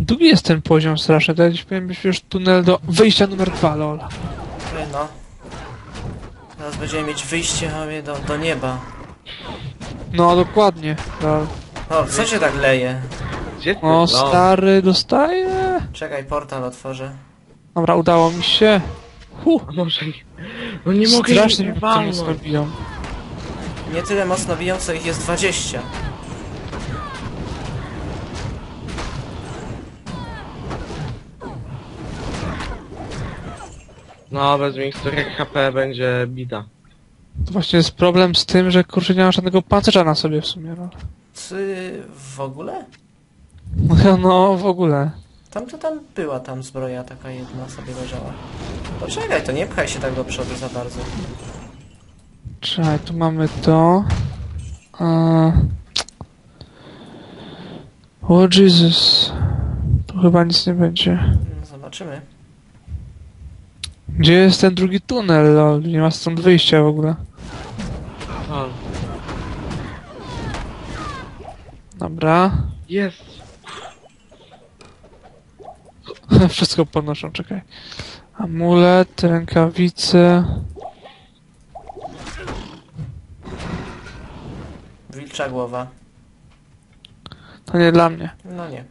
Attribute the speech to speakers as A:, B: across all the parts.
A: Długi jest ten poziom straszny, to jakiś powinien być już tunel do wyjścia numer 2, lol.
B: No. Teraz będziemy mieć wyjście do nieba.
A: No dokładnie, lol.
B: O, co się tak leje?
C: Gdzie ty?
A: O, stary, dostaje.
B: Czekaj, portal otworzę.
A: Dobra, udało mi się.
C: A może nie... No nie mogę
A: Strasznie
C: ich
A: mnie to
C: walnąć.
A: mocno biją.
B: Nie tyle mocno biją, co ich jest 20.
C: No, bez miksturek HP będzie bida.
A: To właśnie jest problem z tym, że kurczę nie ma żadnego pancerza na sobie w sumie, no.
B: Czy w ogóle?
A: No, w ogóle.
B: Tam była zbroja taka jedna sobie leżała. Poczekaj, to nie pchaj się tak do przodu za bardzo.
A: Czekaj, tu mamy to. O Jezus. Tu chyba nic nie będzie.
B: No, zobaczymy.
A: Gdzie jest ten drugi tunel, lol? Nie ma stąd wyjścia w ogóle.
C: O,
A: Dobra.
C: jest.
A: Wszystko podnoszą, czekaj. Amulet, rękawice.
B: Wilcza głowa.
A: To nie dla mnie.
B: No nie.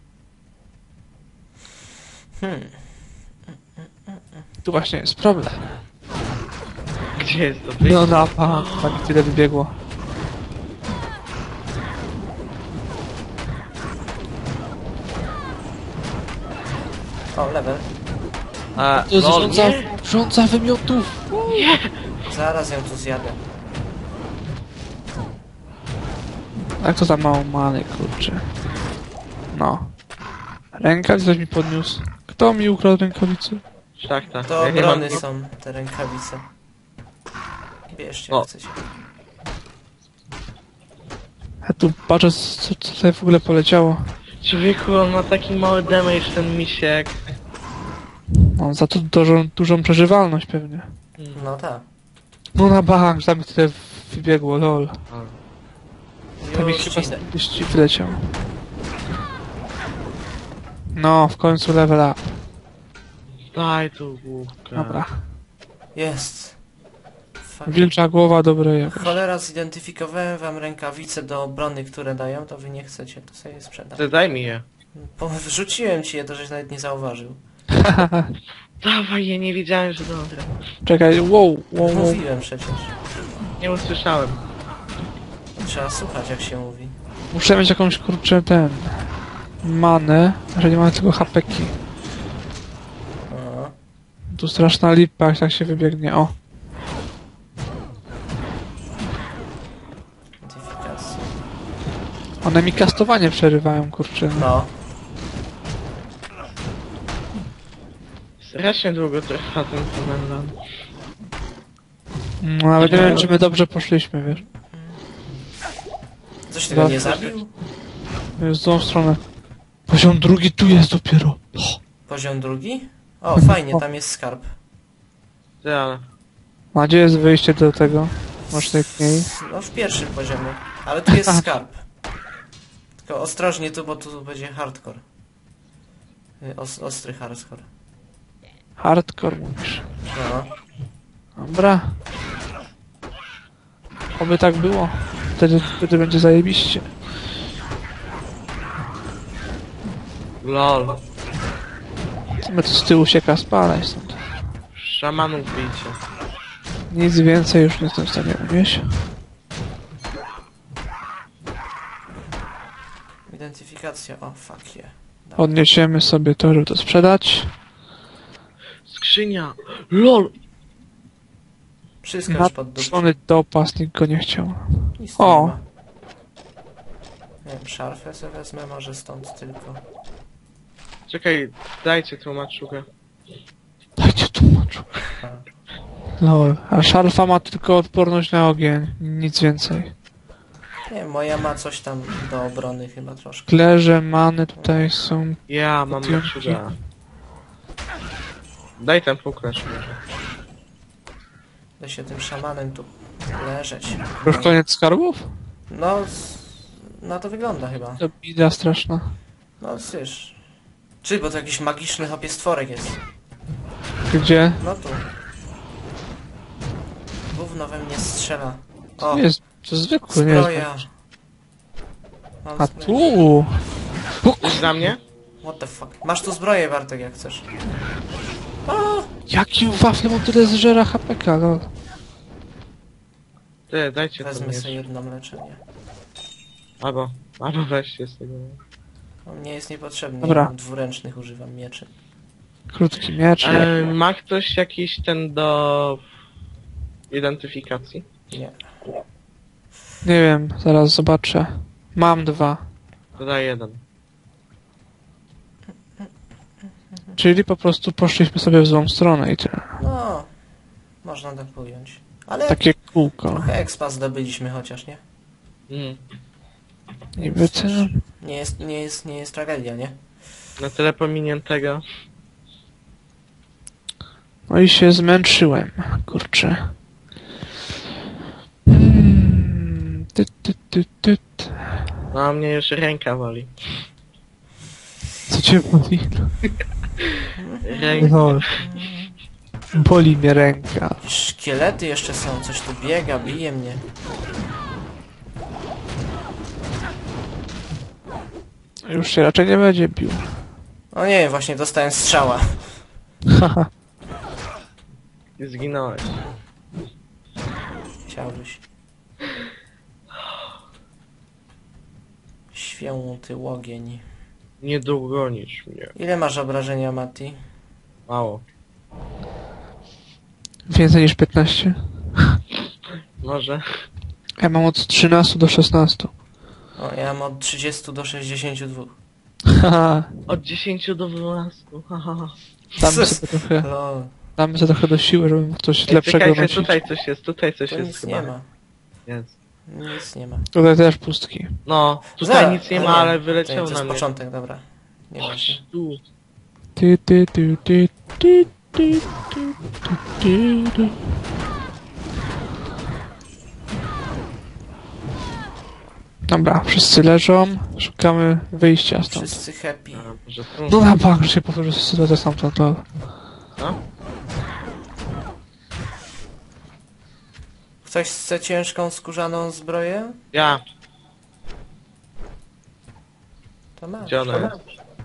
A: Tu właśnie jest problem.
C: Gdzie jest to wyjście?
A: No na pani tyle wybiegło.
B: O, level.
C: A,
A: To jest
C: lol, nie.
A: rządza wymiotów.
B: Zaraz ją tu zjadę.
A: Jak to za mało many, kurczę. No. Rękawic ktoś mi podniósł. Kto mi ukradł rękawicy?
C: Tak, tak.
B: To
C: Ja nie mam...
B: obrony są te rękawice. Bierzcie,
C: O.
B: jak chcecie.
A: Ja tu patrzę, co tutaj w ogóle poleciało.
C: Człowieku, on ma taki mały damage, ten misiek.
A: No, za to dużą przeżywalność pewnie.
B: No tak.
A: No na bank, tam mi tyle wybiegło, lol. Tam mi
B: Już
A: chyba
B: idę.
A: gdzieś wyleciał. No, w końcu level up.
C: Daj tu główkę.
A: Dobra.
B: Jest. Fuck.
A: Wilcza głowa, dobre jakoś.
B: Cholera, zidentyfikowałem wam rękawice do obrony, które dają, to wy nie chcecie, to sobie je sprzedam.
C: Ty daj mi je.
B: Wrzuciłem ci je, to żeś nawet nie zauważył.
C: Dawaj je, nie wiedziałem, że dobre.
A: Czekaj, wow.
B: Mówiłem przecież.
C: Nie usłyszałem.
B: Trzeba słuchać, jak się mówi.
A: Muszę mieć jakąś, kurczę, manę, że nie mamy tylko hapeki.
B: O,
A: Tu straszna lipa, jak tak się wybiegnie, o.
B: identyfikacja.
A: One mi kastowanie przerywają, kurczę.
B: No,
C: Strasznie długo trwa ten komendant.
A: No, nawet nie wiem, czy my dobrze poszliśmy, wiesz.
B: coś tego nie zabił?
A: Jest w tą stronę. Poziom drugi tu jest dopiero.
B: Poziom drugi? O, fajnie, tam jest skarb.
C: Ty, ale...
A: A gdzie jest wyjście do tego? Masz najmniej.
B: No, w pierwszym poziomie. Ale tu jest skarb. Tylko ostrożnie tu, bo tu będzie hardcore. Ostry hardcore.
A: Hardcore mówisz.
B: No.
A: Dobra. Oby tak było. Wtedy będzie zajebiście.
C: LOL.
A: My tu z tyłu się spalaj stąd.
C: Szamanów bijcie.
A: Nic więcej już nie jestem w stanie unieść.
B: Identyfikacja, o fuck yeah.
A: Odniesiemy sobie to, żeby to sprzedać.
C: Skrzynia. LOL.
B: Wszystko już pod dupę.
A: Napuszczony dopas, nikt go nie chciał.
B: Nic tu
A: O.
B: nie ma. Nie wiem, szarfę sobie wezmę, może stąd tylko.
C: Czekaj, dajcie tłumaczugę.
A: Dajcie tłumaczu. Lol. A szarfa ma tylko odporność na ogień. Nic więcej.
B: Nie wiem, moja ma coś tam do obrony chyba troszkę.
A: Klerze, many tutaj są.
C: Ja mam
A: Potionki.
C: maczuga. Daj ten puklerz może.
B: Da się tym szamanem tu leżeć.
A: Już koniec skarbów?
B: No, na to wygląda chyba.
A: To bida straszna.
B: No, wiesz, Czy, bo to jakiś magiczny hopie stworek jest.
A: Gdzie?
B: No tu. Gówno we mnie strzela. O,
A: Nie jest, to zwykły, nie jest.
B: zbroja. Mam
A: A
B: zbroję.
A: tu!
C: Coś dla mnie?
B: What the fuck. Masz tu zbroję, Bartek, jak chcesz. O!
A: Jaki wafle on tyle zżera HPK, no.
C: Ty, dajcie to
B: Wezmę
C: miecz.
B: sobie jedno leczenie.
C: Albo weźcie z tego.
B: On nie jest niepotrzebny,
A: Dobra.
B: ja mam dwuręcznych, używam mieczy.
A: Krótki miecz.
C: Ma ktoś jakiś ten do identyfikacji?
B: Nie.
A: Nie wiem, zaraz zobaczę. Mam 2.
C: To daj jeden.
A: Czyli po prostu poszliśmy sobie w złą stronę i tyle.
B: No, można tak pojąć. Ale
A: Takie kółko.
B: trochę expa zdobyliśmy chociaż, nie?
C: Mm.
A: Niby co?
B: Nie jest tragedia, nie?
C: Na tyle pominiętego.
A: No i się zmęczyłem, kurczę. Tyt.
C: No a mnie już ręka woli.
A: Co cię boli?
C: Ręka.
A: No. Boli mnie ręka.
B: Szkielety jeszcze są, coś tu biega, bije mnie.
A: Już się raczej nie będzie bił.
B: O nie, właśnie dostałem strzała.
A: Haha.
C: I zginąłeś.
B: Chciałbyś. Święty łogień.
C: Nie dogonisz mnie.
B: Ile masz obrażenia, Mati?
C: Mało.
A: Więcej niż 15.
C: Może.
A: Ja mam od 13 do 16.
B: O, ja mam od 30 do 62.
A: Haha.
C: Od 10 do 12. Haha.
B: Lol.
A: Damy sobie trochę do siły, żeby coś lepszego
C: Czekajcie,
A: nosić.
C: tutaj coś
B: To
C: jest
B: nic
C: chyba.
B: nie ma.
C: Jest.
B: Nic nie ma.
A: Tutaj też pustki.
C: No, tutaj
B: Zaraz,
C: nic nie ma, ale
B: to
C: wyleciał
B: jest
C: na mnie.
B: początek, dobra. Nie ma się.
C: Chodź tu.
A: Ty. Dobra, wszyscy leżą. Szukamy wyjścia stąd.
B: Wszyscy happy.
C: A, może tu?
A: No na bank, że się powtórzy sytuacja stamtąd. To...
C: No?
B: Ktoś chce ciężką, skórzaną zbroję?
C: Ja.
B: To masz.
C: Gdzie ona jest?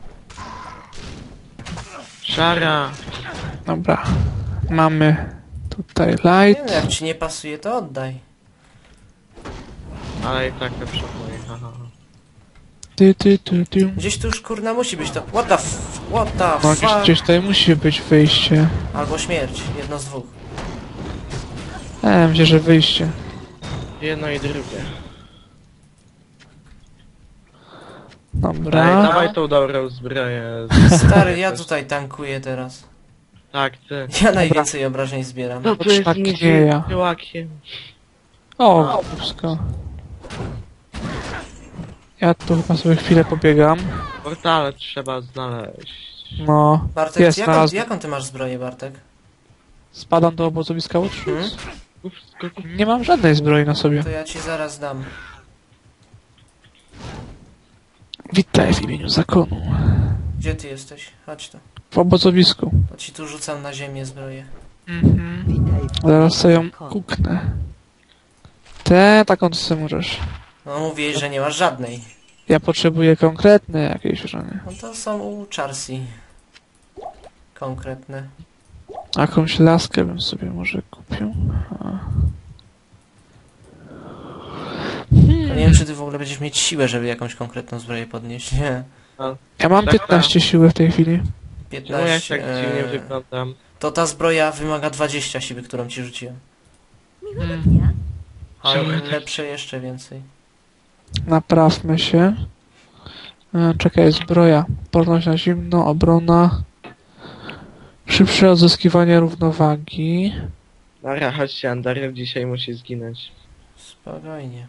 C: Szara.
A: Dobra. Mamy tutaj
B: Nie wiem,
A: light.
B: jak ci nie pasuje, to oddaj.
C: Ale i tak lepsze moje. Haha.
A: Ty.
B: Gdzieś tu już kurna musi być to. What the
A: No
B: fuck?
A: gdzieś tutaj musi być wyjście.
B: Albo śmierć, jedno z dwóch.
A: Myślę, że wyjście.
C: Jedno i drugie.
A: Dobra.
C: Dawaj tą dobrą zbroję.
B: Stary, ja tutaj tankuję teraz.
C: Tak, ty.
B: Ja najwięcej obrażeń zbieram.
C: No to jest
A: Tak nie
C: nidzie
A: ja.
C: tyłakiem.
A: O, wszystko. Ja tu chyba sobie chwilę pobiegam.
C: Portale trzeba znaleźć.
A: No,
B: Bartek,
A: jest,
B: jaką,
A: znalazłem.
B: jaką ty masz zbroję, Bartek?
A: Spadam do obozowiska uczniów.
B: Hmm?
A: Nie mam żadnej zbroi na sobie.
B: To ja ci zaraz dam.
A: Witaj w imieniu zakonu.
B: Gdzie ty jesteś? Chodź tu.
A: W obozowisku.
B: To ci tu rzucam na ziemię zbroję.
A: Zaraz sobie ją kuknę. Taką to sobie możesz.
B: No mówiłeś, że nie masz żadnej.
A: Ja potrzebuję konkretne jakieś żony.
B: No to są u Charsi. Konkretne.
A: Jakąś laskę bym sobie może kupił.
B: To nie wiem, czy ty w ogóle będziesz mieć siłę, żeby jakąś konkretną zbroję podnieść. Nie.
A: Ja mam 15 siły w tej chwili.
C: Czemu ja tak
B: 15.
C: dziwnie wyglądam?
B: To ta zbroja wymaga 20 siły, którą ci rzuciłem. Ale
C: Czemu ja tak-
B: lepsze jeszcze więcej.
A: Naprawmy się. Czekaj, zbroja. Odporność na zimno, obrona. Szybsze odzyskiwanie równowagi.
C: Dobra, chodźcie, Andarew dzisiaj musi zginąć.
B: Spokojnie.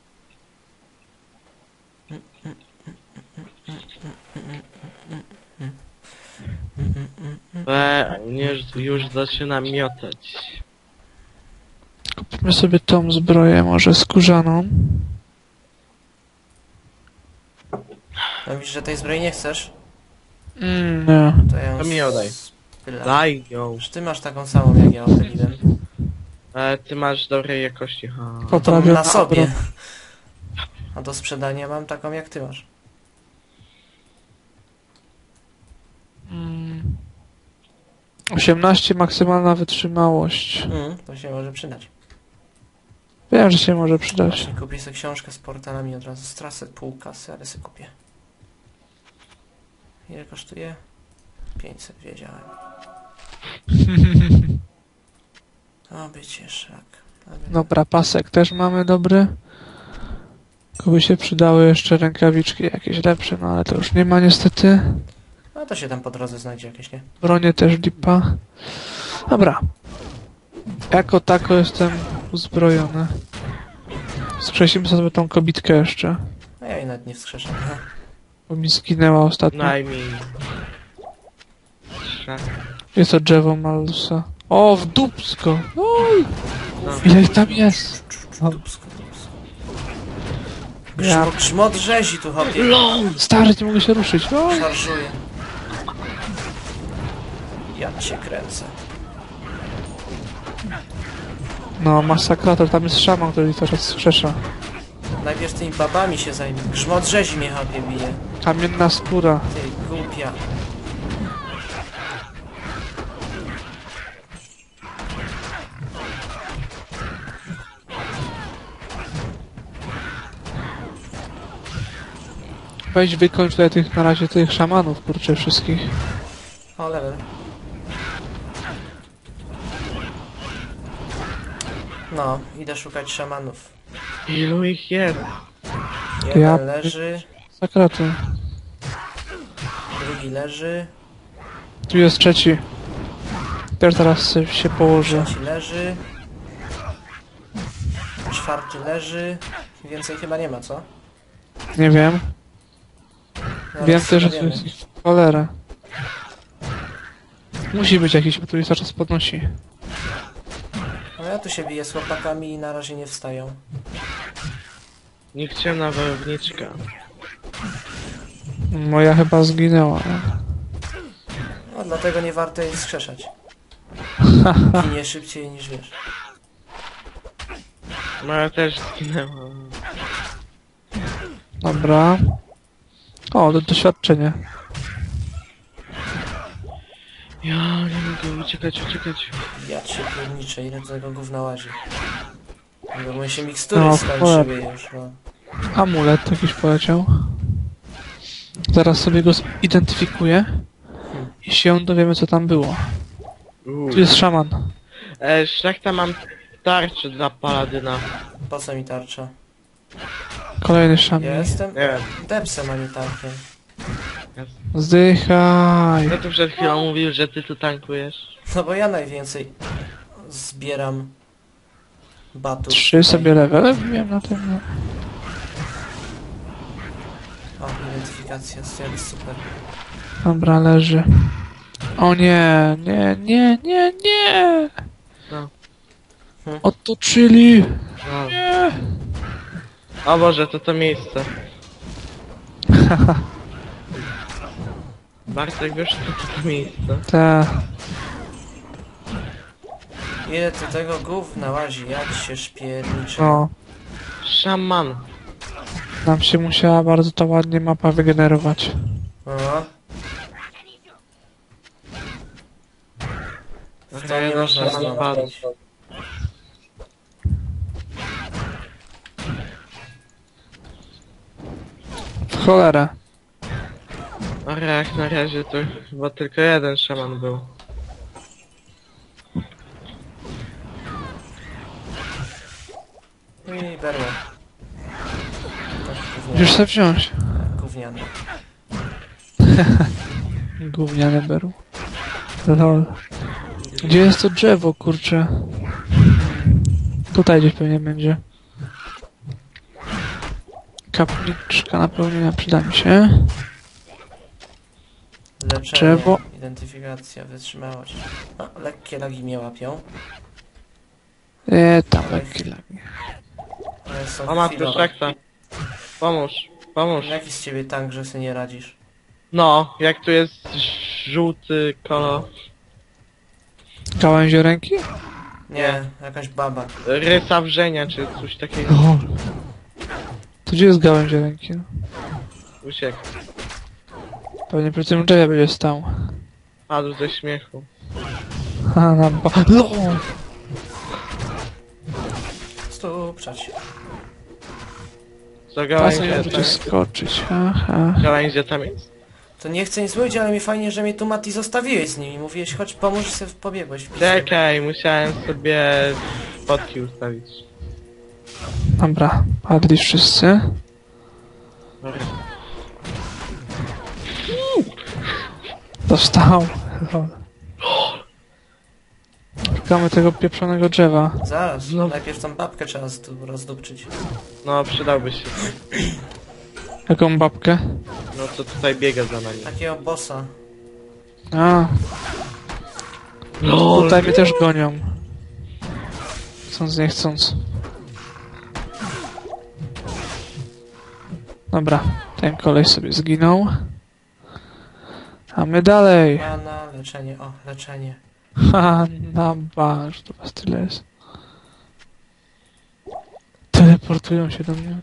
C: Już zaczyna miotać.
A: Kupimy sobie tą zbroję, może skórzaną.
B: No widzisz, że tej zbroi nie chcesz?
A: Nie.
B: To ja ją
C: To mi oddaj.
B: spylam.
C: Daj ją.
B: Czy ty masz taką samą jak ja opyliłem?
C: Ty masz dobrej jakości. Ha.
B: To mam
A: Poprawiona
B: na sobie.
A: obronę.
B: A do sprzedania mam taką jak ty masz.
A: 18 maksymalna wytrzymałość.
B: To się może przydać.
A: Wiem, że się może przydać.
B: Właśnie kupię sobie książkę z portalami od razu. Stracę pół kasy, ale sobie kupię. Ile kosztuje? 500, wiedziałem. Oby cię szlak.
A: Dobra, pasek też mamy dobry. Tylko by się przydały jeszcze rękawiczki jakieś lepsze, no ale to już nie ma niestety.
B: No to się tam po drodze znajdzie jakieś, nie?
A: Bronie też lipa. Dobra. Jako tako jestem uzbrojony. Skrzesimy sobie tą kobitkę jeszcze.
B: No ja jej nawet nie wskrzeszam.
A: Bo mi zginęła ostatnio.
C: Najmniej. Szlak.
A: Jest to drzewo Malusa. O, w dupsko! Oj!
C: No.
A: Ile ich tam jest? No,
B: Dupsko, dupsko.
A: ja...
B: Grzmot rzezi tu hopie.
A: Stary, nie mogę się ruszyć. Oj!
B: Szarżuje. Ja cię kręcę.
A: No, masakrator, tam jest szaman, który ich teraz skrzesza.
B: Najpierw tymi babami się zajmie. Grzmot rzezi mnie hopie bije.
A: Kamienna skóra.
B: Ty głupia.
A: Weź wykończ tutaj tych, na razie tych szamanów, kurczę, wszystkich.
B: O, level. No, idę szukać szamanów.
C: Ilu ich jest?
B: Jeden
A: Ja-
B: leży,
A: Sakraty.
B: drugi leży,
A: Tu jest trzeci. Też zaraz się położę.
B: trzeci leży, czwarty leży. Więcej chyba nie ma, co?
A: Nie wiem.
B: No,
A: Wiem
B: ale
A: też, że tu
B: wiemy.
A: jest ich cholera. Musi być jakiś, bo tu jest cały czas podnosi.
B: No ja tu się biję z chłopakami i na razie nie wstają.
C: Nikczemna wojowniczka.
A: Moja chyba zginęła.
B: No dlatego nie warto jej wskrzeszać. Ginie szybciej niż wiesz.
C: Moja też zginęła.
A: Dobra. O, doświadczenie.
C: Ja nie mogę uciekać.
B: Ja cię pierniczę, ile do tego gówna łazi. Bo my się mikstury
A: No,
B: skończyły już, no.
A: Amulet jakiś poleciał. Zaraz sobie go zidentyfikuję. I się dowiemy, co tam było. Tu jest szaman.
C: Szlachta, mam tarczę dla paladyna.
B: Po co mi tarcza?
A: Kolejny szaman.
B: Ja jestem
C: Nie wiem.
B: depsem, a nie tankiem.
A: Zdychaj.
C: No to przed chwilą mówił, że ty tu tankujesz.
B: No bo ja najwięcej zbieram batów.
A: 3 sobie levele wbiłem na tym. No.
B: O, identyfikacja, jest super.
A: Dobra, leży. O nie.
C: No.
A: Otoczyli.
C: No.
A: Nie.
C: O Boże, to miejsce. Bartek, wiesz, to miejsce.
A: Te.
B: Ile tu tego gówna łazi, jak się szpierniczy.
A: No.
C: Szaman.
A: Nam się musiała bardzo to ładnie mapa wygenerować.
B: No. W to nie
C: Jeden
B: można
C: szaman padł.
B: zwątpić.
A: W cholerę.
C: Ale jak na razie to chyba tylko jeden szaman był.
B: I berło.
A: Musisz sobie wziąć.
B: Gówniane.
A: Gówniane beru. Lol. Gdzie jest to drzewo, kurczę? Tutaj gdzieś pewnie będzie. Kapliczka napełnienia przyda mi się.
B: Leczenie,
A: Drzewo.
B: identyfikacja, wytrzymałość. No, lekkie lagi mnie łapią.
A: Tam lekkie lagi.
B: Ale są
C: O matko,
B: chwilowe.
C: szlachta. Pomóż.
B: Jaki z ciebie tank, że sobie nie radzisz?
C: No, jak tu jest żółty kolor.
A: Gałęzioręki?
B: Nie, jakaś baba.
C: Rysa wrzenia, czy coś takiego.
A: O. To gdzie jest gałęzioręki? No?
C: Uciekł.
A: Pewnie przy tym drzewie będzie stał.
C: Padł ze śmiechu.
A: Ha, na ba... No!
B: Stupczać.
C: Co
A: Pasem
C: gałęzie
A: możecie
C: tam,
A: skoczyć, ha.
C: gałęzie tam jest?
B: To nie chcę nic mówić, ale mi fajnie, że mnie tu Mati zostawiłeś z nimi. Mówiłeś, chodź pomóż i sobie pobiegłeś.
C: Czekaj, musiałem sobie spotki ustawić.
A: Dobra, padli wszyscy. Dostał. Szukamy tego pieprzonego drzewa.
B: Zaraz,
C: Znowu.
B: najpierw tą babkę trzeba rozdupczyć.
C: No, przydałby się.
A: Jaką babkę?
C: No, co tutaj biega za nami.
B: Takiego bossa.
A: A, tutaj mnie też gonią. Chcąc, nie chcąc. Dobra, ten kolej sobie zginął. A my dalej.
B: Mana, leczenie, o, leczenie.
A: Ha, na barz, to was tyle jest. Teleportują się do mnie.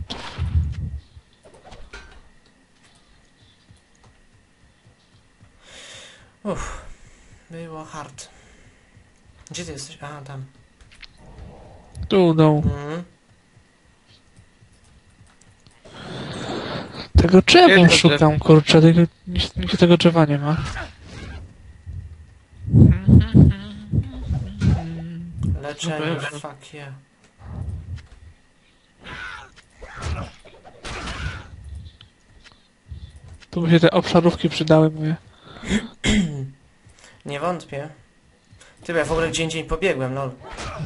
B: Uff, było hard. Gdzie ty jesteś? A, tam.
A: Tu dołu.
B: Mhm.
A: Tego drzewa
C: Jest to
A: szukam, kurczę, nigdzie tego drzewa nie ma.
B: Leczenie,
C: Dobra.
B: fuck yeah.
A: Tu by się te obszarówki przydały moje.
B: Nie wątpię. Ty, bo ja w ogóle gdzie indziej pobiegłem, lol.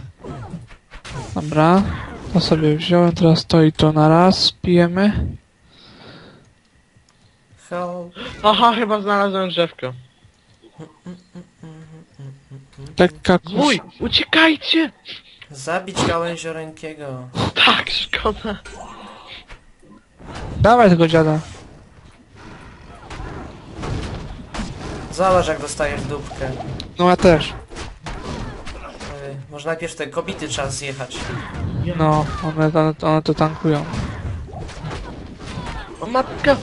A: Dobra, to sobie wziąłem, teraz to i to na raz, pijemy.
B: Help.
C: Aha, chyba znalazłem drzewko.
A: Lekka
C: Uj, uciekajcie!
B: Zabić gałęziorękiego.
C: Tak, szkoda.
A: Dawaj tego dziada.
B: Zobacz jak dostajesz dupkę.
A: No ja też.
B: Może najpierw te kobity trzeba zjechać.
A: No, one to tankują.
C: O matka!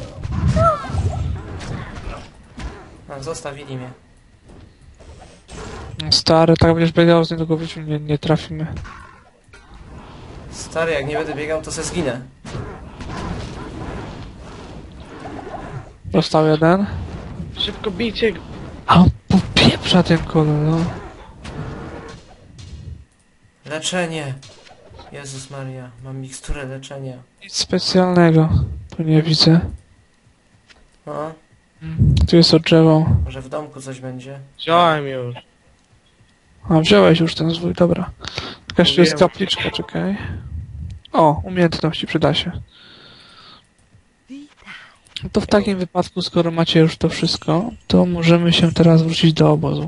B: A, zostawili mnie.
A: Stary, tak będziesz biegał z niego wyciu, nie trafimy.
B: Stary, jak nie będę biegał, to se zginę.
A: Dostał jeden.
C: Szybko bijcie go.
A: A on popieprza ten kolor, no.
B: Leczenie. Jezus Maria, mam miksturę leczenia.
A: Nic specjalnego. Tu nie widzę.
B: No,
A: Tu jest od drzewo.
B: może w domku coś będzie.
C: Wziąłem już.
A: A, wziąłeś już ten zwój, dobra. Jakaś tu jest
C: Mówiłem.
A: kapliczka, czekaj. O, umiejętności, przyda się. No to w takim wypadku, skoro macie już to wszystko, to możemy się teraz wrócić do obozu.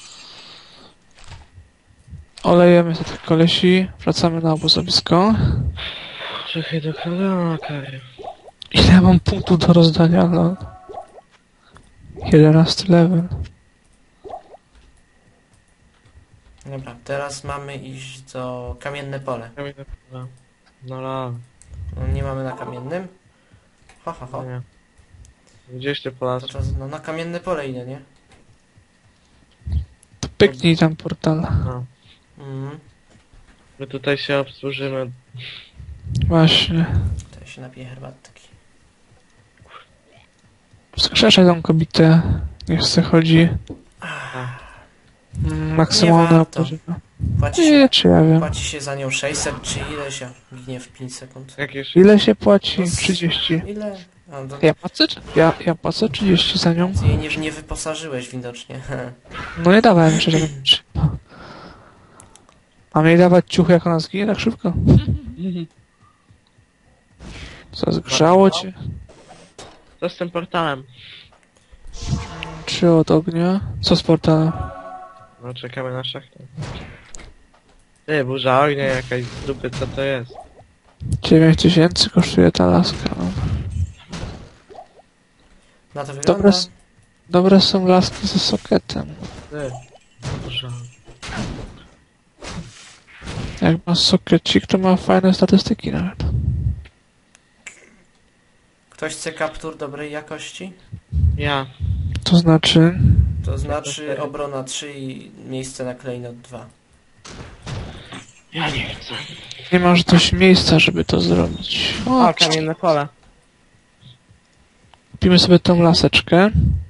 A: Olejemy sobie tych kolesi, wracamy na obozowisko.
C: Czekaj do kolana, okej.
A: Ile mam punktów do rozdania, no? 11 level.
B: Dobra, teraz mamy iść do kamienne pole.
C: No la,
B: No, nie mamy na kamiennym? Ho, ho, ho.
C: nie. Gdzieś ty po
B: To czas, no na kamienne pole idę, nie?
A: To pyknij tam portal.
C: No.
B: Mhm.
C: My tutaj się obsłużymy.
A: Właśnie.
B: To ja się napiję herbatki.
A: Wskrzeszaj tą kobietę. Niech se chodzi. Maksymalne
B: Nie warto.
A: opozycja.
B: Płaci się,
A: Nie, czy ja wiem.
B: płaci się za nią 600 czy ile się ginie w 5 sekund.
C: Jakieś...
A: Ile się płaci?
B: No,
A: 30.
B: Ile? A, to,
A: Ja płacę? Ja płacę 30 za nią.
B: ty jej nie wyposażyłeś widocznie.
A: No nie dawałem jeszcze żadnego. Mam jej dawać ciuchy, jak ona zginie tak szybko? Co, zgrzało cię?
C: Co z tym portalem?
A: Czy od ognia? Co z portalem?
C: No czekamy na szachtę. Ty, burza ognia jakaś z dupy, co to jest?
A: 9000 kosztuje ta laska. No.
B: Na to wygląda.
A: Dobre są laski ze sokietem.
C: Dużo.
A: Jak ma sokiecik, to ma fajne statystyki nawet.
B: Ktoś chce kaptur dobrej jakości?
C: Ja.
A: To znaczy...
B: To znaczy obrona 3 i miejsce na klejnot 2.
C: Ja nie chcę.
A: Nie masz dość miejsca, żeby to zrobić.
C: O, kamienne pole.
A: Kupimy sobie tą laseczkę.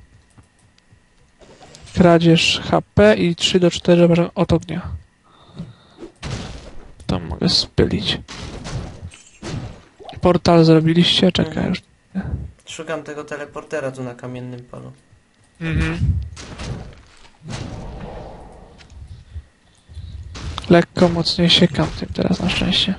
A: Kradzież HP i 3 do 4 obrażeń od ognia. To mogę spylić. Portal zrobiliście? Czekaj już.
B: Szukam tego teleportera tu na kamiennym polu.
A: Lekko mocniej siekam tym teraz na szczęście.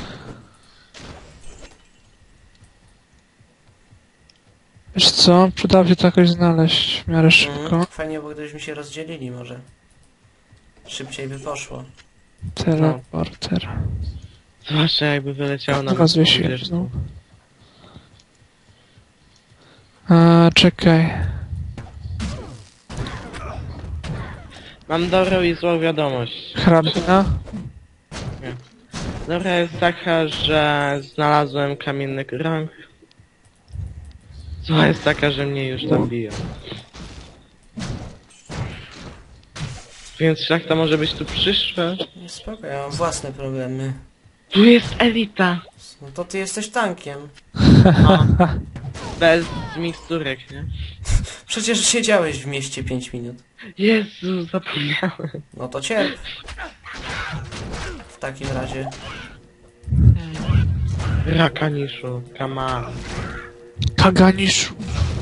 A: Wiesz co? Przydałoby się to jakoś znaleźć w miarę szybko.
B: Fajnie, bo gdybyśmy się rozdzielili może. Szybciej by poszło.
A: Teleporter.
C: Zwłaszcza jakby wyleciało na
A: Chyba zwiesiłem znowu. Czekaj.
C: Mam dobrą i złą wiadomość.
A: Hrabina?
C: Dobra jest taka, że znalazłem kamienny krąg. Zła jest taka, że mnie już tam biją. Więc szlachta może być tu przyszła.
B: Nie, spoko, ja mam własne problemy.
C: Tu jest elita.
B: No to ty jesteś tankiem.
C: No. Bez miksturek, nie?
B: Przecież siedziałeś w mieście 5 minut.
C: Jezu, zapomniałem.
B: No to cierp. W takim razie.
C: Rakaniszu, kama.
A: Kaganiszu.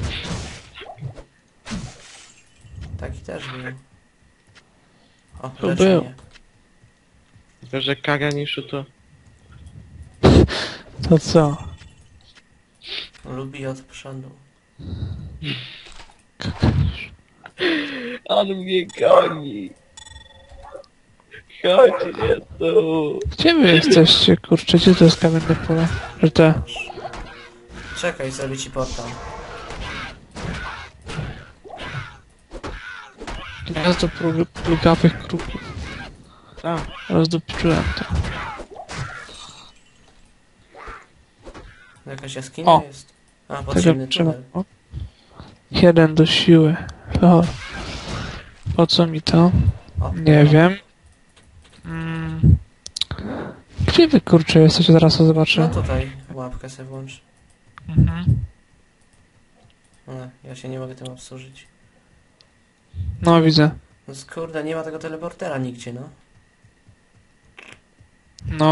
B: Taki też był. O,
A: To
B: leczenie.
A: był.
C: Tylko, że Kaganiszu to...
A: To co?
B: Lubi od przodu.
C: On mnie goni. Chodź, nie tu.
A: Gdzie wy jesteście, kurczę? Gdzie to jest kamienne pole? Że te...
B: Czekaj, zrobię ci portal.
A: Gniazdo plugawych kruków.
C: Co?
A: Rozdupiczyłem to.
B: Jakaś jaskinia
A: O!
B: jest. A,
A: Tego
B: podziemny
A: trzeba...
B: tunel.
A: O. 1 do siły. Lol. Po co mi to?
B: O,
A: Nie wiem. Gdzie wy, kurczę, jesteście? Zaraz to
B: No
A: zobaczę.
B: tutaj łapkę sobie włącz.
A: Mhm.
B: No, ja się nie mogę tym obsłużyć.
A: No, widzę.
B: No kurde, nie ma tego teleportera nigdzie, no.
A: No.